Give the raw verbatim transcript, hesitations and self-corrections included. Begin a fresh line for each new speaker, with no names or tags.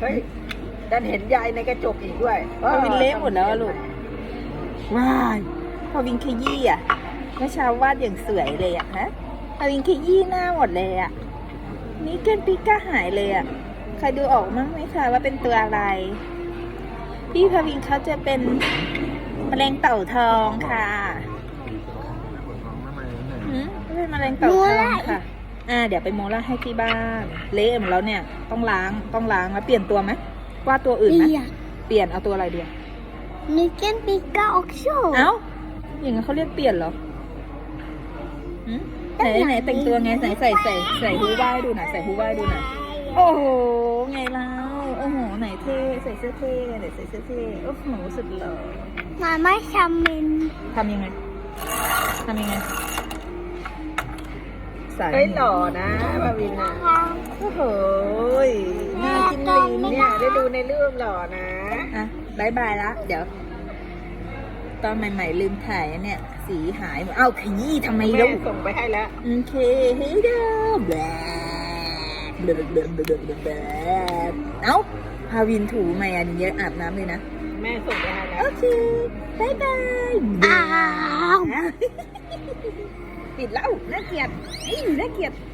เฮ้ยดันเห็นยายในกระจกอีกด้วย
พอวินเละหมดแล้วอะลูกว้ายพอวินขยี้อ่ะเมื่อเช้าวาดอย่างสวยเลยอ่ะฮะพอวินขยี้หน้าหมดเลยอ่ะนี่เกนปิก้าหายเลยอ่ะใครดูออกมั้งไหมคะว่าเป็นตัวอะไรพี่พาวินเขาจะเป็นแมลงเต่าทองค่ะหืมเป็นแมลงเต่าทองค่ะอ่าเดี๋ยวไปโมล่าให้ที่บ้านเละหมดแล้วเนี่ยต้องล้างต้องล้างแล้วเปลี่ยนตัวไหมว่าตัวอื่นไหมเปลี่ยนเอาตัวอะไรดี
Nu kan pika också.
เอ้าอย่างนั้นเขาเรียกเปลี่ยนเหรอหืมไหนไหนแต่งตัวไงไหนใส่ใส่ใส่ฮูบ้าให้ดูหน่อยใส่ฮูบ้าให้ดูหน่อยโอ้โหไงแล้วโอ้โหไหนเท่ใส่เสื้อเท่ไหนใส่เสื้อเท่โอ้โหสุดหล่อ
Mamma kommer.
ทำยังไงทำยังไงใส่
เฮ้ยหล่อนะบาวินนะ
โอ้โหน่ากินลิ้น
เนี่ยได้ดูในเรื่องหล่อนะ
อ่ะบายบายละเดี๋ยว ตอนใหม่ๆลืมถ่ายอันเนี่ยสีหายหมดเอ้าขยี้ทำไม
แม่
ลูก
ส่งไปให้แล้ว
โอเคเฮ้ยเด้อแบลเบลเบลเบลเบลเบลเอ้าพาวินถูไหมอันนี้เยอะอาบน้ำเลยนะ
แม่ส่งไปให้แล้ว
โอเคบายบาย
อ้าว
ปิดแล้วน่าเกลียดเอ้ยน่าเกลียด